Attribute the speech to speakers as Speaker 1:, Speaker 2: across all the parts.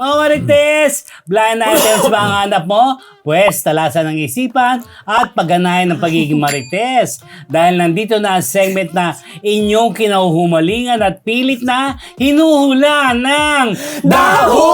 Speaker 1: Mga Marites, blind items ba ang hanap mo? Pwes, talasan ng isipan at pagganahan ng pagiging Marites. Dahil nandito na ang segment na inyong kinahuhumalingan at pilit na hinuhula ng
Speaker 2: Daho!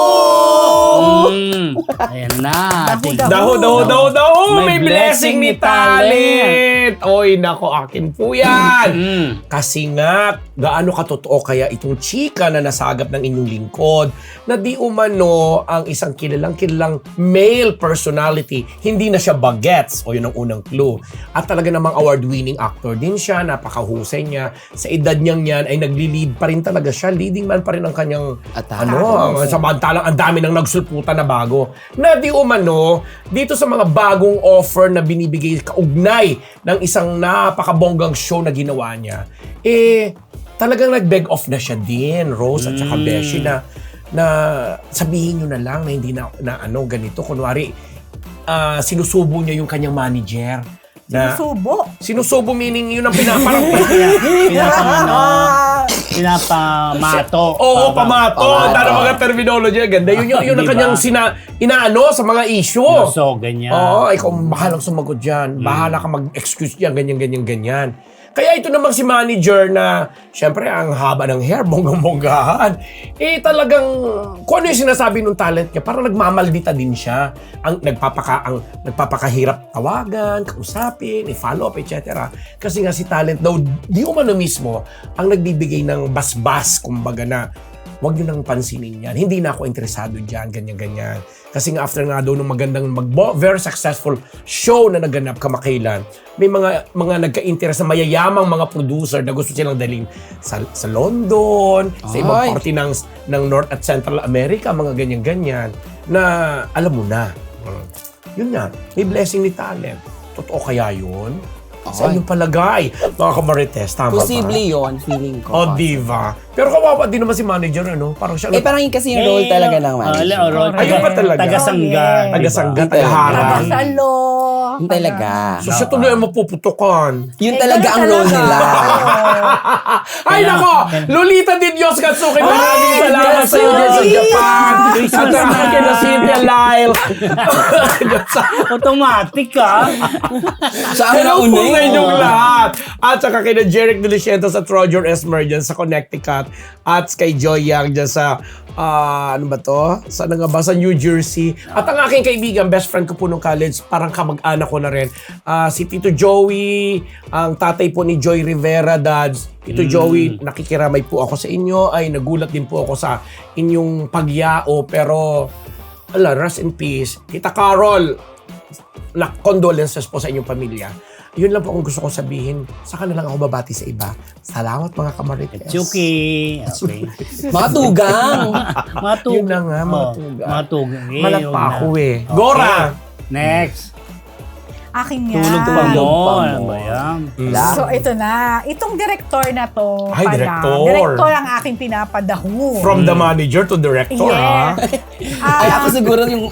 Speaker 1: Ayan na.
Speaker 2: Daho! May blessing ni talent! Oy, nako, akin po yan! Kasi nga, gaano katotoo kaya itong chika na nasagap ng inyong lingkod na di umano ang isang kilalang male personality, hindi na siya bagets, o yun ang unang clue. At talaga namang award-winning actor din siya, napakahusay niya. Sa edad niyang yan ay nagli-lead pa rin talaga siya, leading man pa rin ang kanyang samantalang ang dami nang nagsulputan na bago. Na di umano, dito sa mga bagong offer na binibigay kaugnay ng isang napakabonggang show na ginawa niya, talagang nag-beg off na siya din, Rose at saka Beshi, na sabihin nyo na lang na hindi na ganito. Kunwari, sinusubo niya yung kanyang manager. Sinusubo meaning yun ang
Speaker 1: pinapamato.
Speaker 2: Oo, pamato. Dahil mga terminology, ganda. Yun ang kanyang inaano sa mga issue.
Speaker 1: So, ganyan.
Speaker 2: Oo, ikaw bahalang sumagot dyan. Bahala ka mag-excuse dyan, ganyan. Kaya ito namang si manager na, syempre, ang haba ng hair, bonggang-bonggahan. Talagang, kung ano yung sinasabi ng talent niya, parang nagmamaldita din siya. Ang nagpapakahirap tawagan, kausapin, i-follow up, etc. Kasi nga si talent daw, di umano mismo, ang nagbibigay ng basbas, kumbaga na, huwag nyo nang pansinin yan. Hindi na ako interesado dyan, ganyan. Kasi nga after nga daw ng magandang, very successful show na naganap kamakailan, may mga nagka-interest na mayayamang mga producer na gusto silang daling sa London, sa ibang parte ng North at Central America, mga ganyan-ganyan, na alam mo na. Yun nga, may blessing ni talent. Totoo kaya yun? Sa inyong palagay, mga kamarites, tama
Speaker 3: Posible yun, feeling ko.
Speaker 2: Diva. Pero kawawa din naman si manager, ano? Parang siya...
Speaker 3: parang yun kasi yung role talaga ng manager.
Speaker 2: Ayun pa talaga.
Speaker 1: Tagasangga.
Speaker 2: Tagasangga, tagaharang.
Speaker 4: Tagasalo.
Speaker 3: Yun talaga.
Speaker 2: So siya tuloy ang mapuputukan.
Speaker 3: Yun talaga ang role nila.
Speaker 2: Ay, nako! Lolita Di Dios Katsuki, maraming salamat sa iyo dyan sa Japan. At naman kina Cynthia Lyle.
Speaker 1: Automatic ka.
Speaker 3: Saan na
Speaker 2: Hello po
Speaker 3: una
Speaker 2: sa inyong lahat. At saka kina Jeric Deliciento sa Trojan Esmer dyan sa Connecticut. At kay Joy Yang dyan sa, ano ba to? Saan nga ba? Sa New Jersey. At ang aking kaibigan, best friend ko po nung college, parang kamag-anak ko na rin. Si Tito Joey, ang tatay po ni Joy Rivera, dads. Tito Joey, nakikiramay po ako sa inyo. Ay, nagulat din po ako sa inyong pagyao. Pero, rest in peace. Tita Carol, condolences po sa inyong pamilya. Yun lang po ang gusto kong sabihin. Saka na lang ako babati sa iba. Salamat mga kamarites.
Speaker 1: Okay.
Speaker 3: Mga tugang.
Speaker 2: Yun na nga, mga tugang.
Speaker 1: Mga tugang.
Speaker 2: Malat pa ako Gora!
Speaker 1: Next.
Speaker 4: Akin nga.
Speaker 1: Tulog pa mo.
Speaker 3: Tulog pa mo.
Speaker 1: Ano ba yan?
Speaker 4: So, ito na. Itong director na to.
Speaker 2: Ay, director.
Speaker 4: Director ang aking pinapadaho.
Speaker 2: From the manager to director, ha?
Speaker 3: Ay, ako siguro yung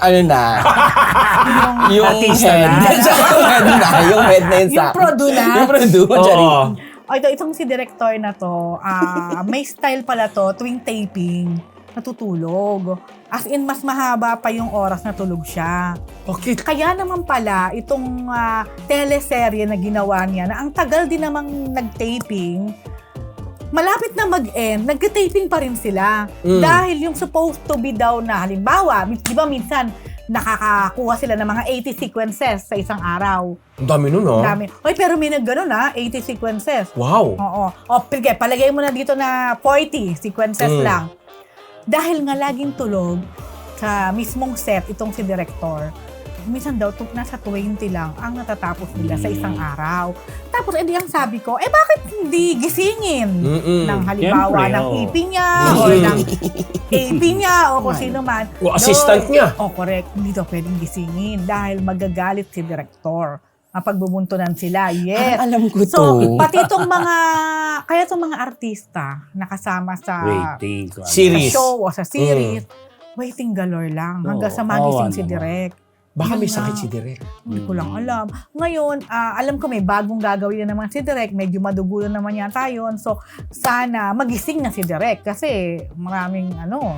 Speaker 3: yung
Speaker 1: artista
Speaker 3: head. Yung head na yun sa...
Speaker 4: Yung produ na.
Speaker 3: Yung produ.
Speaker 4: Itong si director na to, may style pala to, tuwing taping, natutulog. As in, mas mahaba pa yung oras na tulog siya.
Speaker 2: Okay.
Speaker 4: Kaya naman pala, itong teleserye na ginawa niya, na ang tagal din namang nag-taping, malapit na mag-end, nag-taping pa rin sila. Dahil yung supposed to be daw na, halimbawa, di ba minsan, nakakakuha sila ng mga 80 sequences sa isang araw.
Speaker 2: Ang dami nun, ha?
Speaker 4: Dami. Oy, pero may nag-gano 80 sequences.
Speaker 2: Wow.
Speaker 4: Oo. Sige, palagay mo na dito na 40 sequences lang. Dahil nga laging tulog sa mismong set itong si director, minsan daw nasa 20 lang ang natatapos nila sa isang araw. Tapos edi ang sabi ko, bakit hindi gisingin ng halimbawa
Speaker 1: Siyempre,
Speaker 4: ng EP niya or ng AP niya o kung sino man.
Speaker 2: O assistant niya.
Speaker 4: Correct. Hindi daw pwedeng gisingin dahil magagalit si director. Pagbubuntunan sila. Yes.
Speaker 3: Alam ko to.
Speaker 4: So, pati itong kaya itong mga artista nakasama sa
Speaker 2: series.
Speaker 4: show o sa series, waiting galore lang hanggang sa magising si Direk.
Speaker 2: Baka may sakit si Direk.
Speaker 4: Hindi ko lang alam. Ngayon, alam ko may bagong gagawin na naman si Direk. Medyo madugulo naman yata yun. So, sana magising na si Direk kasi maraming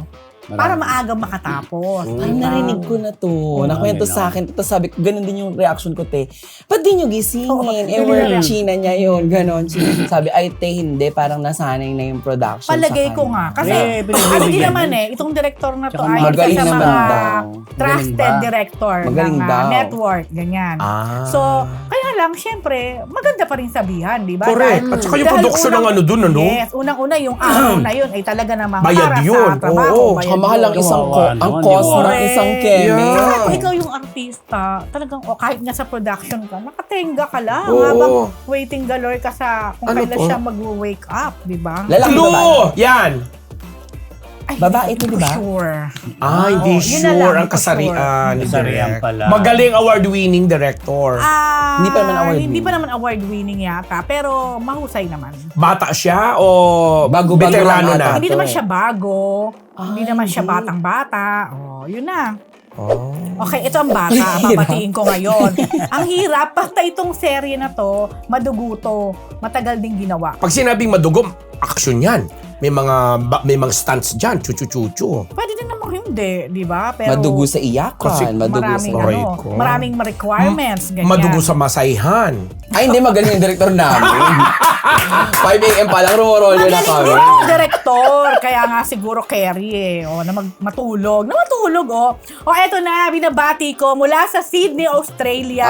Speaker 4: para maaga makatapos.
Speaker 3: Ay, narinig ko na to. Nakwento sa akin. Tapos sabi ko, ganun din yung reaction ko, te. Ba't di nyo gisingin? Work China niya yun. Ganon. Sabi, ay, te, hindi. Parang nasanay na yung production
Speaker 4: Palagay
Speaker 3: sa
Speaker 4: ko
Speaker 3: kanya.
Speaker 4: nga. Kasi,
Speaker 1: pinagbibigyan
Speaker 4: ano din
Speaker 1: mo.
Speaker 4: naman itong director na to
Speaker 1: Tsaka
Speaker 4: ay isa
Speaker 3: magaling
Speaker 4: sa
Speaker 3: naman
Speaker 4: mga
Speaker 3: daw.
Speaker 4: trusted
Speaker 1: Magaling ba?
Speaker 4: director
Speaker 3: Magaling
Speaker 4: ng
Speaker 3: daw.
Speaker 4: network, ganyan.
Speaker 2: Ah.
Speaker 4: So, kaya lang, syempre, maganda pa rin sabihan, di ba?
Speaker 2: Correct. At saka yung
Speaker 4: dahil
Speaker 2: production ng ano dun, ano?
Speaker 4: Yes, unang-una yung araw na yun ay talaga namang
Speaker 2: Bayad
Speaker 4: para
Speaker 2: yun.
Speaker 4: sa trabaho.
Speaker 2: Oo.
Speaker 4: bayad
Speaker 3: Tsaka mahal ang
Speaker 4: yun.
Speaker 3: isang
Speaker 1: Kawawa
Speaker 3: ang
Speaker 1: naman,
Speaker 3: cost
Speaker 1: di ba?
Speaker 3: ng isang keme.
Speaker 2: Yeah.
Speaker 4: Saka kung ikaw yung artista, talagang kahit nga sa production ka, nakatenga ka lang
Speaker 2: Oo.
Speaker 4: habang waiting galore ka sa kung
Speaker 2: Ano
Speaker 4: kailan
Speaker 2: to?
Speaker 4: siya mag-wake up, di ba?
Speaker 3: Lalaki babae.
Speaker 2: Clue! Yan!
Speaker 4: Ay,
Speaker 3: Babae
Speaker 4: hindi
Speaker 3: ito,
Speaker 4: ko
Speaker 3: di ba?
Speaker 4: Sure.
Speaker 2: Hindi
Speaker 4: Oo, yun na lang,
Speaker 2: sure ang
Speaker 4: hindi ko
Speaker 2: kasarian.
Speaker 4: sure.
Speaker 2: ni
Speaker 1: Kasarian
Speaker 2: Direk.
Speaker 1: pala.
Speaker 2: Magaling award-winning director.
Speaker 3: Hindi pa naman award
Speaker 4: Hindi
Speaker 3: winning.
Speaker 4: pa naman award winning yata, pero mahusay naman.
Speaker 2: Bata siya o
Speaker 3: Bago-bago
Speaker 2: veterano
Speaker 3: lang
Speaker 2: na?
Speaker 3: ata.
Speaker 4: Hindi naman siya bago. Hindi
Speaker 3: Ay,
Speaker 4: naman siya
Speaker 3: hindi.
Speaker 4: batang-bata. Oh, yun na.
Speaker 2: Oh.
Speaker 4: Okay, ito ang bata. Babatiin ko ngayon. Ang hirap, basta itong serye na to, maduguto. Matagal ding ginawa.
Speaker 2: Pag sinabing madugom, action yan. May mga stunts dyan, chuchu-chuchu.
Speaker 4: Pwede din namang hindi, di ba? Pero
Speaker 3: Madugo sa iyakan.
Speaker 2: Kasi
Speaker 3: Madugo sa...
Speaker 4: maraming,
Speaker 2: Aray
Speaker 4: ano,
Speaker 2: ko.
Speaker 4: maraming requirements. Ganyan.
Speaker 2: Madugo sa masayhan.
Speaker 3: Ay, hindi. Magaling yung director namin. 5 a.m. pa lang, rumorolyo na
Speaker 4: Magaling
Speaker 3: kami.
Speaker 4: din yung director. Kaya nga siguro carry na matulog. Na matulog, eto na, binabati ko mula sa Sydney, Australia.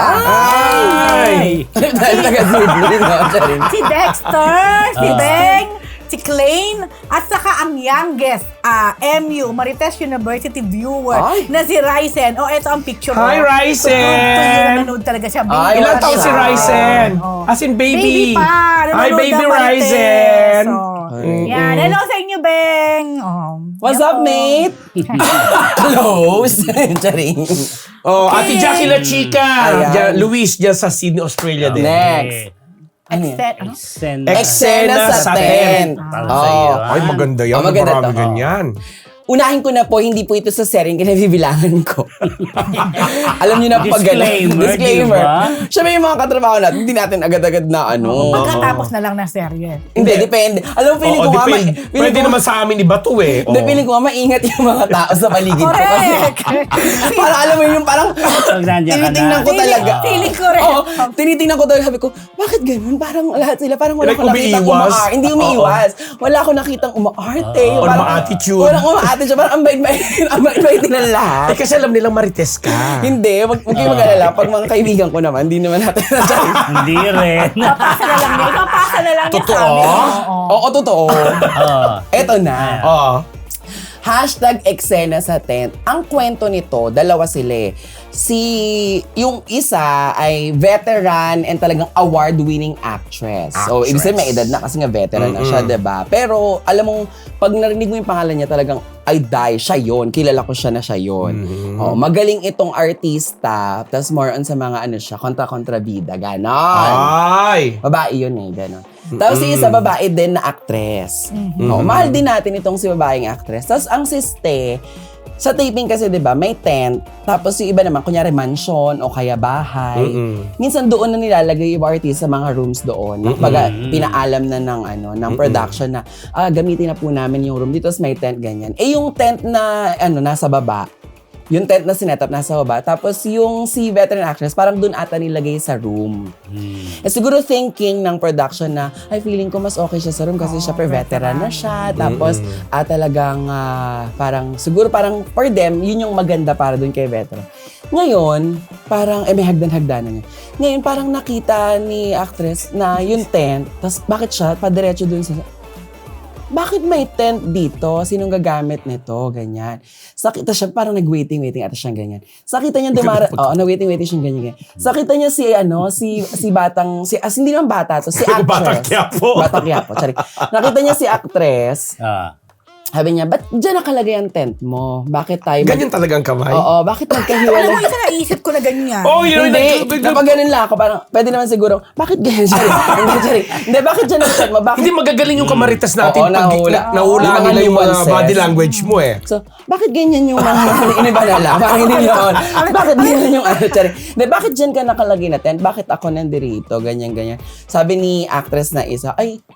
Speaker 2: Ay!
Speaker 3: Dahil taga-Sydney, no? Charing.
Speaker 4: Si Dexter, si Beng, si Klein, at saka ang youngest, MU, Marites University viewer,
Speaker 3: Ay.
Speaker 4: na si Ryzen. Eto ang picture.
Speaker 2: Hi, Ryzen!
Speaker 4: Nanonood talaga siya.
Speaker 3: Ay,
Speaker 4: Baby
Speaker 2: Ilan
Speaker 4: pa
Speaker 2: taon
Speaker 4: siya.
Speaker 2: si Ryzen?
Speaker 4: Oh.
Speaker 2: As in baby.
Speaker 4: Baby pa.
Speaker 2: Hi,
Speaker 4: Nanonood
Speaker 2: baby
Speaker 4: ng Marites.
Speaker 2: Ryzen.
Speaker 4: Yan. Hello sa inyo, Beng.
Speaker 3: What's
Speaker 4: Yan
Speaker 3: up,
Speaker 4: po.
Speaker 3: mate? Close. Charing.
Speaker 2: Oh,
Speaker 4: Okay.
Speaker 2: Ate Jackie La Chica.
Speaker 3: Ayan.
Speaker 2: Diyan, Luis, dyan sa Sydney, Australia din.
Speaker 3: Next. Ano yan?
Speaker 4: Eksena.
Speaker 3: Eksena sa tent.
Speaker 2: Oh, ay, maganda yan.
Speaker 3: Oh, maganda
Speaker 2: Marami
Speaker 3: to.
Speaker 2: ganyan.
Speaker 3: Unahin ko na po, hindi po ito sa sering kinabibilangan ko. Alam niyo na pag
Speaker 1: Disclaimer,
Speaker 3: Disclaimer.
Speaker 1: diba?
Speaker 3: Siyempre yung mga katrabaho natin, hindi natin agad-agad na ano.
Speaker 4: Pagkatapos na lang ng serye.
Speaker 3: Hindi, depende. Alam mo, feeling
Speaker 2: Oo,
Speaker 3: ko nga,
Speaker 2: depende.
Speaker 3: feeling
Speaker 2: Pwede
Speaker 3: ko-
Speaker 2: naman sa amin iba to eh.
Speaker 3: Hindi,
Speaker 2: Oo.
Speaker 3: feeling ko nga maingat yung mga tao sa paligid ko. Kasi
Speaker 4: Correct!
Speaker 3: parang alam mo yung parang
Speaker 1: Pag nandiyan ka
Speaker 3: tinitingnan
Speaker 1: na.
Speaker 3: ko talaga.
Speaker 4: Feeling ko rin.
Speaker 3: Oo, tinitingnan ko talaga. Sabi ko, bakit ganun? Parang lahat sila, parang wala
Speaker 2: Like,
Speaker 3: ko nakitang
Speaker 2: umiiwas?
Speaker 3: umaarte. Hindi umiiwas. Wala ko nakitang umaarte.
Speaker 2: Or
Speaker 3: Parang-
Speaker 2: ma-attitude.
Speaker 3: Walang umaarte. Wala ang bait-bait ng lahat.
Speaker 2: Eh, kasi alam nilang marites ka.
Speaker 3: Hindi, wag kayo mag-alala. Pag mga kaibigan ko naman, hindi naman natin
Speaker 1: Hindi rin.
Speaker 4: Papasa na lang niya. Ipapasa na lang niya
Speaker 2: Totoo?
Speaker 4: sa amin. Oo.
Speaker 3: Oo, totoo.
Speaker 1: Oo.
Speaker 3: Eto na.
Speaker 2: Oo.
Speaker 3: Hashtag eksena sa tent. Ang kwento nito, dalawa sila eh. Yung isa ay veteran and talagang award-winning actress. So, ibig sabihin may edad na kasi nga veteran na siya, diba? Pero, alam mo, pag narinig mo yung pangalan niya, talagang, ay die, siya yun. Kilala ko siya na siya yun. Oh, magaling itong artista, tapos more on sa mga ano siya, kontra-kontrabida, ganon.
Speaker 2: Ay!
Speaker 3: Babae yun eh, gano'n. Tapos si isa babae din na actress. Oh, mahal din natin itong si babaeng actress. Tapos ang siste, sa taping kasi 'di ba, may tent, tapos yung iba naman kunyari mansion o kaya bahay. Minsan doon na nilalagay yung artist sa mga rooms doon. Pag pinaalam na ng production na gamitin na po namin yung room dito, tapos may tent ganyan. Eh yung tent na nasa baba, yung tent na sinetap nasa baba, tapos yung si veteran actress, parang dun ata nilagay sa room. Eh siguro thinking ng production na, ay feeling ko mas okay siya sa room kasi siya veteran na siya. Tapos talagang siguro parang for them, yun yung maganda para dun kay veteran. Ngayon, parang may hagdan-hagdanan niya. Ngayon parang nakita ni actress na yung tent, tapos bakit siya padiretso dun sa... Bakit may tent dito? Sinong gagamit nito? Ganyan. Sakita siya, parang nag-waiting ata siyang ganyan. Sakita niya nag-waiting siyang ganyan. Sakita niya si batang, hindi naman bata to, si actress.
Speaker 2: Batang Quiapo.
Speaker 3: Batang Quiapo, sorry. Nakita niya si actress, sabi niya, ba't dyan nakalagay ang tent mo? Bakit tayo...
Speaker 2: Ganyan talagang kamay?
Speaker 3: Oo, bakit
Speaker 4: Alam
Speaker 3: magkahiwalay?
Speaker 4: mo, isa naisip ko na ganyan.
Speaker 2: Oh, yun.
Speaker 3: Hindi, kapag ganun lang ako, parang, pwede naman siguro, bakit ganyan siya? Hindi, bakit dyan ang tent mo? Bakit
Speaker 2: Hindi magagaling yung kamaritas natin
Speaker 3: Oo,
Speaker 2: pag
Speaker 3: nahula.
Speaker 2: nahula
Speaker 3: Yung mga
Speaker 2: nila yung mga
Speaker 3: nuances.
Speaker 2: body language mo eh.
Speaker 3: So, bakit ganyan yung mga iniba na lang? Parang hindi yun. Bakit ganyan yung Chari? Hindi, bakit dyan ka nakalagay na tent? Bakit ako nandirito? Ganyan. Sabi ni actress na isa, ay,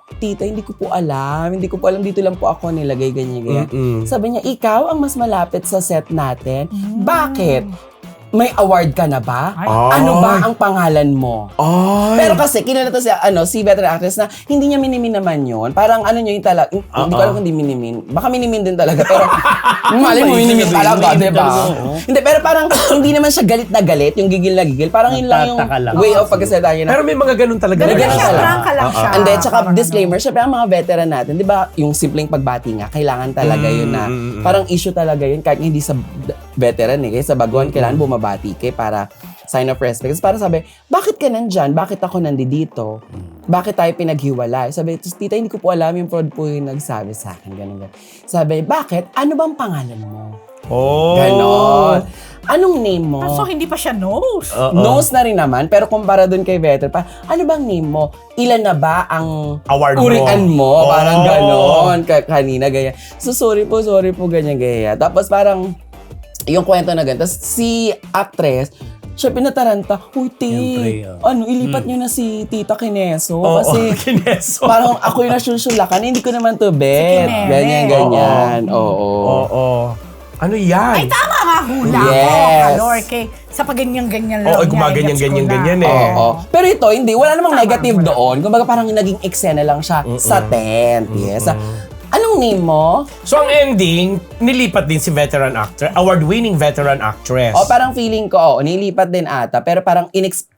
Speaker 3: tita, hindi ko po alam. Hindi ko po alam, dito lang po ako nilagay, ganyan. Sabi niya, ikaw ang mas malapit sa set natin. Bakit? May award ka na ba?
Speaker 4: Ay.
Speaker 3: Ano ba ang pangalan mo?
Speaker 2: Ay.
Speaker 3: Pero kasi kinala to si veteran actress na hindi niya minimin naman yun. Parang ano niya yung talaga, hindi ko alam kung hindi minimin. Baka minimin din talaga, pero mali mo minimin talaga,
Speaker 1: Minimin
Speaker 3: diba?
Speaker 1: talaga, oo.
Speaker 3: Hindi, pero parang hindi naman siya galit na galit, yung gigil na gigil. Parang yun lang yung
Speaker 1: Nagtataka lang.
Speaker 3: way of pagkasalita niya na.
Speaker 2: Pero may mga ganun talaga.
Speaker 4: Ganun
Speaker 3: Ganun
Speaker 4: lang siya,
Speaker 3: talaga.
Speaker 4: prangka lang siya.
Speaker 3: And then, tsaka
Speaker 4: Parang
Speaker 3: disclaimer, syempre ang mga veteran natin, di ba, yung simpleng pagbati nga, kailangan talaga yun na, parang issue talaga yun, kahit hindi sa veteran eh, kaya sa baguhan, kailangan bumabati kay para sign of respect. Kasi para sabi, bakit ka nandyan? Bakit ako nandito? Bakit tayo pinaghiwalay? Sabi, tita, hindi ko po alam, yung prod po yung nagsabi sa akin, ganun. Sabi, bakit? Ano bang pangalan mo?
Speaker 2: Oh.
Speaker 3: Ganon. Anong name mo?
Speaker 4: So, hindi pa siya knows.
Speaker 3: Knows na rin naman, pero kumpara dun kay veteran, ano bang name mo? Ilan na ba ang
Speaker 2: Award mo.
Speaker 3: urian mo?
Speaker 2: Oh.
Speaker 3: Parang ganon. Kanina, ganyan. So, sorry po, ganyan, ganyan. Tapos parang, yung kwento na ganyan. Tapos si actress, siya pinataranta, uy,
Speaker 1: Siyempre,
Speaker 3: ilipat niyo na si Tita Kineso.
Speaker 2: Oo,
Speaker 3: Kasi
Speaker 2: Kineso.
Speaker 3: parang ako yung nasunsulakan, hindi ko naman to bet.
Speaker 4: Kinere.
Speaker 3: Ganyan. Oo.
Speaker 2: Oo. Ano yan?
Speaker 4: Ay, tama nga hula
Speaker 3: Yes.
Speaker 4: ko, Kalor. Sa paganyan-ganyan lang.
Speaker 2: Oo,
Speaker 4: niya,
Speaker 2: gumaganyan-ganyan
Speaker 4: gets ko na.
Speaker 2: eh.
Speaker 3: Oo. Pero ito, hindi. Wala namang
Speaker 4: Tama,
Speaker 3: negative
Speaker 4: wala.
Speaker 3: doon. Kumbaga parang naging eksena lang siya sa tent. Yes. Anong name mo?
Speaker 2: So ang ending, nilipat din si veteran actor, award-winning veteran actress.
Speaker 3: O parang feeling ko, nilipat din ata. Pero parang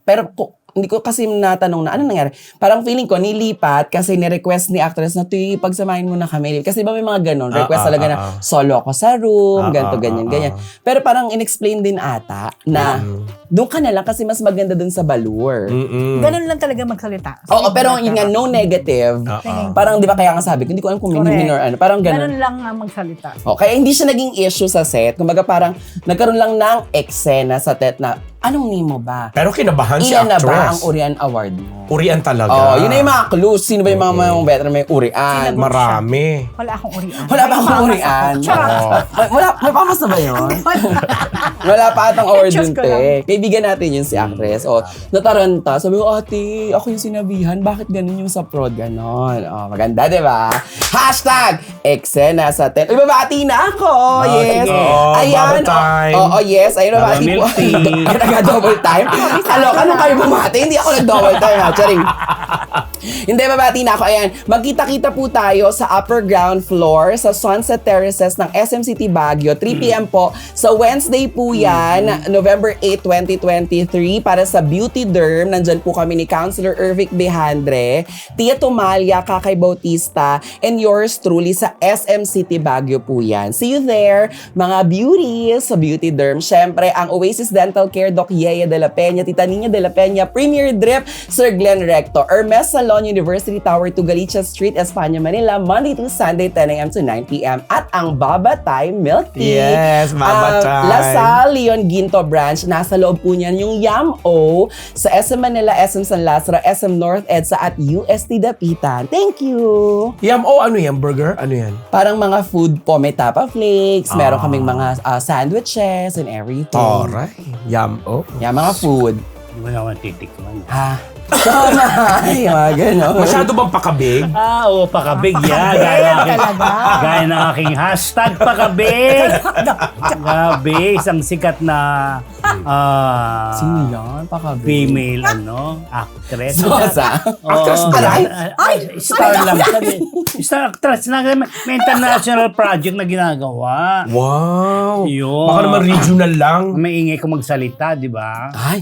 Speaker 3: hindi ko kasi natanong na ano nangyari. Parang feeling ko, nilipat kasi ni-request ni actress na pagsamahin mo na kami. Kasi ba may mga ganon, request talaga na solo ako sa room, ganito, ganyan. Pero parang in-explain din ata na doon ka na lang kasi mas maganda doon sa Balur.
Speaker 4: Ganun lang talaga magsalita.
Speaker 3: Oo, pero yun nga, no negative. Parang di ba kaya nga sabi ko, hindi ko alam kung minimin or ano. Parang
Speaker 4: Ganun
Speaker 3: ganon.
Speaker 4: lang ang magsalita.
Speaker 3: O, kaya hindi siya naging issue sa set. Kumbaga parang nagkaroon lang ng eksena sa set na, anong name mo ba?
Speaker 2: Pero kinabahan si
Speaker 3: Ilan na
Speaker 2: actress.
Speaker 3: ba ang Urian Award mo?
Speaker 2: Urian talaga.
Speaker 3: Oh, yun na yung mga clues. Sino ba yung mga veteran may Urian?
Speaker 2: Marami.
Speaker 4: Wala akong urian.
Speaker 3: Wala pa akong Urian.
Speaker 4: Charot.
Speaker 3: May pamas na ba yun? Wala pa atang award
Speaker 4: Diyos
Speaker 3: dun,
Speaker 4: ko lang.
Speaker 3: te. Kaibigan natin yun si actress. O, nataranta. Sabi ko, ate, ako yung sinabihan. Bakit ganun yung sa prod? Ganon. O, maganda, di ba? Hashtag, eksena sa 10. Uy, babati na ako. Yes.
Speaker 1: sige.
Speaker 2: Bubble time.
Speaker 3: Oo, yes. Ayun, babati po.
Speaker 1: Milk tea.
Speaker 3: Nag-double time. Kaloka kayo bumati. Hindi ako nag-double time, ha? Charing. Hindi, babati na ako. Ayan, magkita-kita po tayo sa upper ground floor sa Sunset Terraces ng SM City Baguio. 3 p.m. po. Sa Wednesday po yan, November 8, 2023, para sa Beauty Derm. Nandyan po kami ni Councilor Ervic Behandre, Tia Tumalia, Kakay Bautista, and yours truly sa SM City Baguio po yan. See you there, mga beauties sa Beauty Derm. Siyempre, ang Oasis Dental Care, Doc Yaya de la Peña, Tita Nina de la Peña, Premier Drip, Sir Glenn Recto, Hermes Salon, University Tower to Galicia Street, Espanya, Manila, Monday to Sunday, 10 a.m. to 9 p.m. At ang Baba Time Milk Tea.
Speaker 2: Yes, Baba Time.
Speaker 3: Lasal, Leon Ginto Branch, nasa loob po niyan yung Yam-O sa SM Manila, SM San Lazaro, SM North EDSA at UST Dapitan. Thank you!
Speaker 2: Ano yan? Burger? Ano yan?
Speaker 3: Parang mga food po, may tapa flakes, meron kaming mga sandwiches and everything.
Speaker 2: Alright.
Speaker 3: Yeah, mga food.
Speaker 1: Hindi mo naman titikman.
Speaker 3: Ha? Tama! Ay, mga ganon.
Speaker 2: Masyado bang pakabig?
Speaker 1: Oo, pakabig yan. Gaya ng aking hashtag pakabig. Grabe, isang sikat na
Speaker 3: Sino yan? Pakabig.
Speaker 1: female actress.
Speaker 3: Sosa?
Speaker 2: Actress ba yan?
Speaker 1: Star lang. Star actress na may international project na ginagawa.
Speaker 2: Wow.
Speaker 1: Yun.
Speaker 2: Baka naman regional lang.
Speaker 1: May ingay ko magsalita, di ba?
Speaker 3: Ay,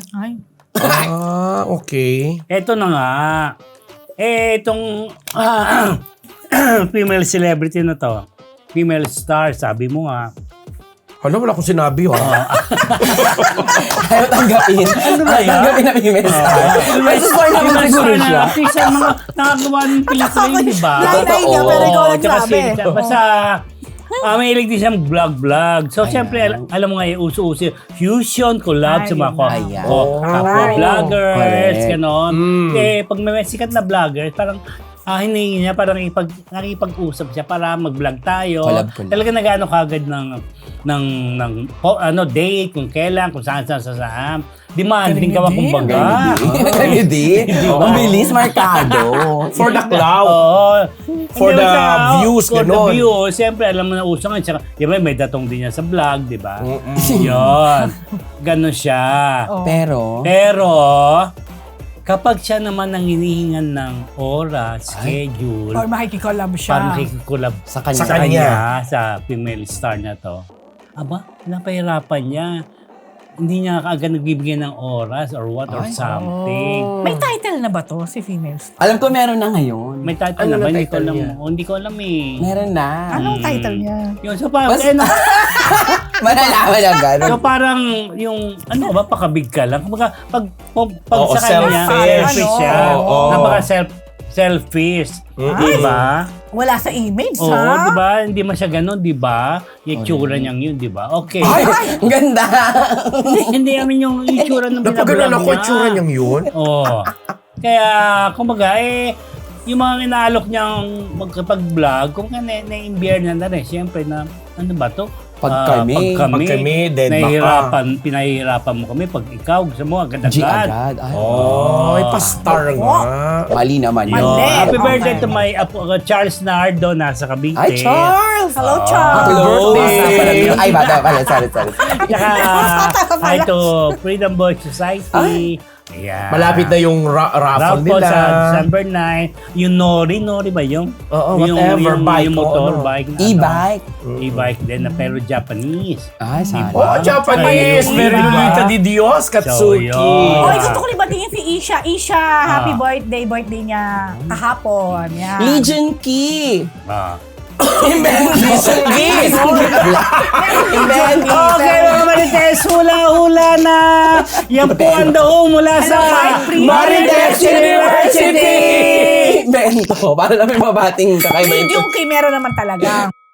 Speaker 2: Okay.
Speaker 1: Eto na nga. Itong female celebrity na to. Female star, sabi mo nga.
Speaker 2: Wala akong sinabi.
Speaker 3: ayaw tanggapin.
Speaker 1: Ano ba yan?
Speaker 3: Tanggapin na female star. May star naman
Speaker 1: Female
Speaker 3: siguro
Speaker 1: star
Speaker 3: siya.
Speaker 1: na artist, ang mga nakagawa ng pelikula yun, di ba?
Speaker 4: Nanay niya, pero ikaw
Speaker 1: Oo,
Speaker 4: nagsabi.
Speaker 1: tsaka basta, mahilig din siyang vlog-vlog. So, siyempre, alam mo nga, uso-uso, fusion, collab sa mga
Speaker 3: Ayan.
Speaker 1: kapwa vloggers,
Speaker 3: Correct.
Speaker 1: ganon. Pag may sikat na vloggers, parang hinihingi niya, parang nakipag-usap siya para mag-vlog tayo.
Speaker 3: Collab.
Speaker 1: Talaga nag-ano kagad ng date, kung kailan, kung saan. Demanding ka ba kumbaga?
Speaker 3: Hindi. Ang bilis, markado.
Speaker 2: For the cloud.
Speaker 1: Oo.
Speaker 2: For
Speaker 1: Hindi
Speaker 2: the
Speaker 1: siya,
Speaker 2: views,
Speaker 1: for the
Speaker 2: ganon.
Speaker 1: views. Siyempre, alam mo na uso nga. Tsaka, di ba, may datong din niya sa vlog, di ba? Yun. Ganon siya.
Speaker 4: Oh.
Speaker 1: Pero, kapag siya naman ang hinihingan ng oras, schedule,
Speaker 4: Or makikikolab siya.
Speaker 1: para makikikulab
Speaker 3: Sa kanya.
Speaker 2: Sa kanya.
Speaker 1: sa female star na to, napahirapan niya. Hindi niya kaagad nagbibigay ng oras or what or something.
Speaker 4: May title na ba to si female star?
Speaker 3: Alam ko meron na ngayon.
Speaker 1: May title
Speaker 2: Ano
Speaker 1: na ba?
Speaker 2: na
Speaker 1: Hindi ko
Speaker 2: title
Speaker 1: alam.
Speaker 2: niya?
Speaker 1: Hindi ko alam eh.
Speaker 3: Meron na.
Speaker 4: Anong title niya?
Speaker 1: Yun, so parang,
Speaker 3: Malalaman ang gano'n.
Speaker 1: so parang yung, pakabig ka lang. Kumbaga, pag
Speaker 2: Oo,
Speaker 1: sa kanya,
Speaker 2: selfish.
Speaker 1: selfish siya.
Speaker 2: Oo.
Speaker 1: Selfish. Diba?
Speaker 4: Wala sa image,
Speaker 1: Oo,
Speaker 4: ha?
Speaker 1: diba? Hindi man siya ganun, diba? Yung itsura niyang yun, diba? Okay.
Speaker 3: Ay, ang ganda.
Speaker 1: Hindi namin yung itsura ng
Speaker 2: Napagano'n
Speaker 1: binablog
Speaker 2: ako, itsura niyang yun.
Speaker 1: Oo. Kaya, kumbaga, yung mga inaalok niyang magkapag-vlog, kung na-imbier na rin, siyempre na, ano ba to?
Speaker 3: Pag kami.
Speaker 2: Pag kami, then baka.
Speaker 1: Pinahihirapan mo kami pag ikaw, gusto mo agad-agad.
Speaker 3: G agad. Ay,
Speaker 2: Ay, pastar nga.
Speaker 3: mali naman yun.
Speaker 4: Mali.
Speaker 1: Happy birthday
Speaker 4: Okay.
Speaker 1: to my apo, Charles Nardo, nasa Cavite.
Speaker 3: Ay, Charles!
Speaker 4: Hello, Charles!
Speaker 2: Happy birthday!
Speaker 3: Ay, bata pala. Sorry.
Speaker 1: Tsaka, hi to Freedom Boy Society. Ayan.
Speaker 2: Malapit na yung raffle
Speaker 1: Raffle
Speaker 2: nila.
Speaker 1: sa December 9. Yung Nori ba yung?
Speaker 2: Oo, whatever, bike
Speaker 1: Yung
Speaker 2: o
Speaker 1: motorbike. na
Speaker 3: E-bike.
Speaker 1: E-bike din na pero Japanese.
Speaker 3: Ay, sana.
Speaker 2: Oh, Japanese!
Speaker 1: Ayun,
Speaker 2: Very
Speaker 1: diba?
Speaker 2: Lolita di Dios, Katsuki.
Speaker 1: So, yun.
Speaker 4: Oy, gusto ko libatingin si Isha. Isha, happy birthday niya kahapon. Yan.
Speaker 3: Legion Key.
Speaker 2: Legion Key!
Speaker 1: Okay, mga Marites, hula-hula na. Yan po ang daho mula sa
Speaker 2: Marites University!
Speaker 3: Bento. Para namin mabating kakaiba ito.
Speaker 4: Yung kay meron naman talaga.